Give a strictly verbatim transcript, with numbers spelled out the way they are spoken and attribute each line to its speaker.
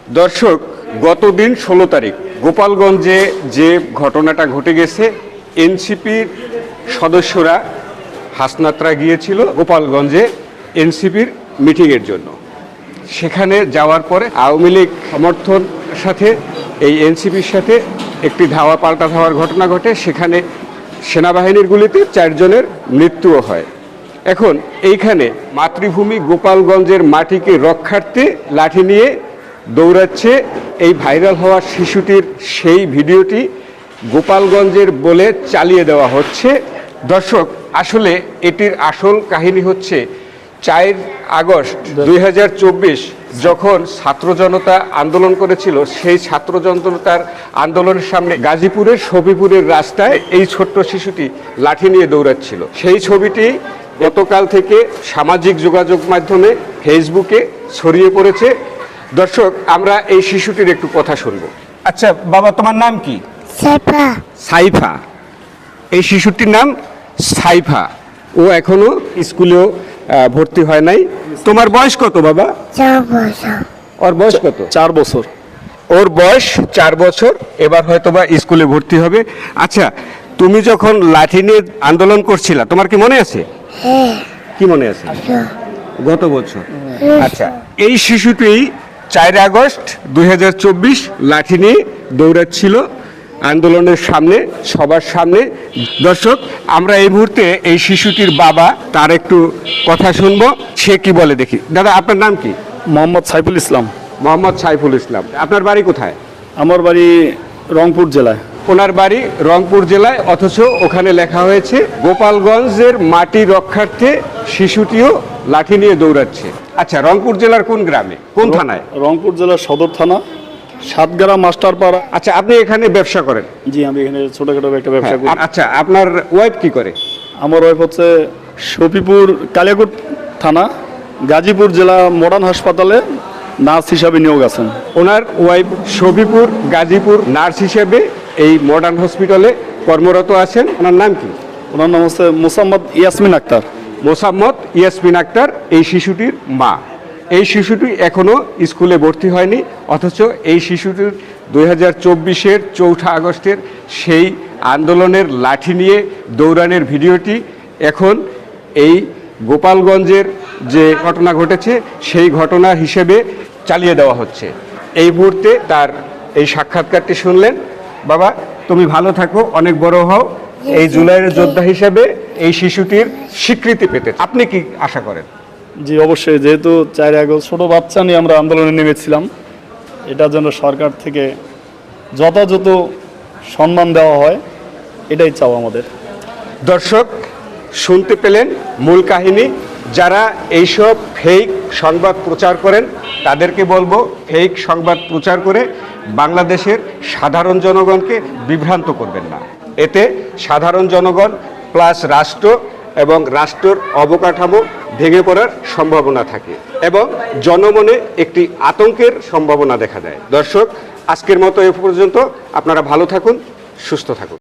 Speaker 1: দর্শক, গতদিন ষোলো তারিখ গোপালগঞ্জে যে ঘটনাটা ঘটে গেছে, এনসিপির সদস্যরা হাসনাতরা গিয়েছিল গোপালগঞ্জে এনসিপির মিটিংয়ের জন্য। সেখানে যাওয়ার পরে আওয়ামী লীগ সমর্থন সাথে এই এনসিপির সাথে একটি ধাওয়া পাল্টা ধাওয়ার ঘটনা ঘটে। সেখানে সেনাবাহিনীর গুলিতে চারজনের মৃত্যুও হয়। এখন এইখানে মাতৃভূমি গোপালগঞ্জের মাটিকে রক্ষার্থে লাঠি নিয়ে দৌড়াচ্ছে এই ভাইরাল হওয়া শিশুটির সেই ভিডিওটি গোপালগঞ্জের বলে চালিয়ে দেওয়া হচ্ছে। দর্শক, আসলে এটির আসল কাহিনী হচ্ছে চার আগস্ট দুই হাজার চব্বিশ যখন ছাত্র জনতা আন্দোলন করেছিল, সেই ছাত্র জনতার আন্দোলনের সামনে গাজীপুরের শফিপুরের রাস্তায় এই ছোট্ট শিশুটি লাঠি নিয়ে দৌড়াচ্ছিল। সেই ছবিটি গতকাল থেকে সামাজিক যোগাযোগ মাধ্যমে ফেসবুকে ছড়িয়ে পড়েছে। দর্শক, আমরা এই শিশুটির একটু কথা শুনবো। আচ্ছা বাবা, তোমার নাম কি?
Speaker 2: সাইফা।
Speaker 1: সাইফা। এই শিশুটির নাম সাইফা। ও এখনো স্কুলেও ভর্তি হয় নাই। তোমার বয়স কত বাবা?
Speaker 2: চার বছর।
Speaker 1: ওর বয়স কত?
Speaker 3: চার বছর।
Speaker 1: ওর বয়স চার বছর। এবার হয়তো বা স্কুলে ভর্তি হবে। আচ্ছা, তুমি যখন লাঠি নিয়ে আন্দোলন করছিলা, তোমার কি মনে আছে?
Speaker 2: হ্যাঁ।
Speaker 1: কি মনে আছে? গত বছর।
Speaker 2: হ্যাঁ।
Speaker 1: আচ্ছা, এই শিশুটি চার আগস্ট দুই হাজার চব্বিশ লাঠি নিয়ে দৌড়াচ্ছিল আন্দোলনের সামনে, সবার সামনে। দর্শক, আমরা এই মুহূর্তে এই শিশুটির বাবা, তার একটু কথা শুনবো। সে কি বলে দেখি। দাদা, আপনার নাম কি?
Speaker 3: মোহাম্মদ সাইফুল ইসলাম।
Speaker 1: মোহাম্মদ সাইফুল ইসলাম। আপনার বাড়ি কোথায়?
Speaker 3: আমার বাড়ি রংপুর জেলায়।
Speaker 1: ওনার বাড়ি রংপুর জেলায়, অথচ ওখানে লেখা হয়েছে গোপালগঞ্জের মাটি রক্ষার্থে শিশুটিও লাঠি নিয়ে দৌড়াচ্ছে। আচ্ছা, রংপুর জেলার কোন গ্রামে, কোন থানায়?
Speaker 3: রংপুর জেলার সদর থানা, সাতগাড়া মাস্টারপাড়া।
Speaker 1: আচ্ছা, আপনি এখানে ব্যবসা করেন?
Speaker 3: জি, আমি এখানে ছোটখাটো একটা ব্যবসা করি।
Speaker 1: আচ্ছা, আপনার ওয়াইফ কি করে?
Speaker 3: আমার ওয়াইফ হচ্ছে শফিপুর কালিয়াকোট থানা, গাজীপুর জেলা মডার্ন হাসপাতালে নার্স হিসাবে নিয়োগ আছেন।
Speaker 1: ওনার ওয়াইফ শফিপুর গাজীপুর নার্স হিসেবে এই মডার্ন হসপিটালে কর্মরত আছেন। ওনার নাম কি?
Speaker 3: ওনার নাম হচ্ছে মোসাম্মদ ইয়াসমিন আক্তার।
Speaker 1: মোসাম্মদ ইয়াসমিন আক্তার এই শিশুটির মা। এই শিশুটি এখনো স্কুলে ভর্তি হয়নি, অথচ এই শিশুটির দুই হাজার চব্বিশের চৌঠা আগস্টের সেই আন্দোলনের লাঠি নিয়ে দৌড়ানোর ভিডিওটি এখন এই গোপালগঞ্জের যে ঘটনা ঘটেছে সেই ঘটনা হিসেবে চালিয়ে দেওয়া হচ্ছে। এই মুহূর্তে তার এই সাক্ষাৎকারটি শুনলেন। বাবা, তুমি ভালো থাকো, অনেক বড় হও। এই জুলাইয়ের যোদ্ধা হিসেবে এই শিশুটির স্বীকৃতি পেতে আপনি কি আশা করেন?
Speaker 3: জি, অবশ্যই। যেহেতু চার আগস্ট ছোট বাচ্চা নিয়ে আমরা আন্দোলনে নেমেছিলাম, এটার জন্য সরকার থেকে যথাযথ সম্মান দেওয়া হয়, এটাই চাও আমাদের।
Speaker 1: দর্শক, শুনতে পেলেন মূল কাহিনী। যারা এইসব ফেক সংবাদ প্রচার করেন তাদেরকে বলবো, ফেক সংবাদ প্রচার করে বাংলাদেশের সাধারণ জনগণকে বিভ্রান্ত করবেন না। এতে সাধারণ জনগণ প্লাস রাষ্ট্র এবং রাষ্ট্রের অবকাঠামো ভেঙে পড়ার সম্ভাবনা থাকে এবং জনমনে একটি আতঙ্কের সম্ভাবনা দেখা দেয়। দর্শক, আজকের মতো এ পর্যন্ত। আপনারা ভালো থাকুন, সুস্থ থাকুন।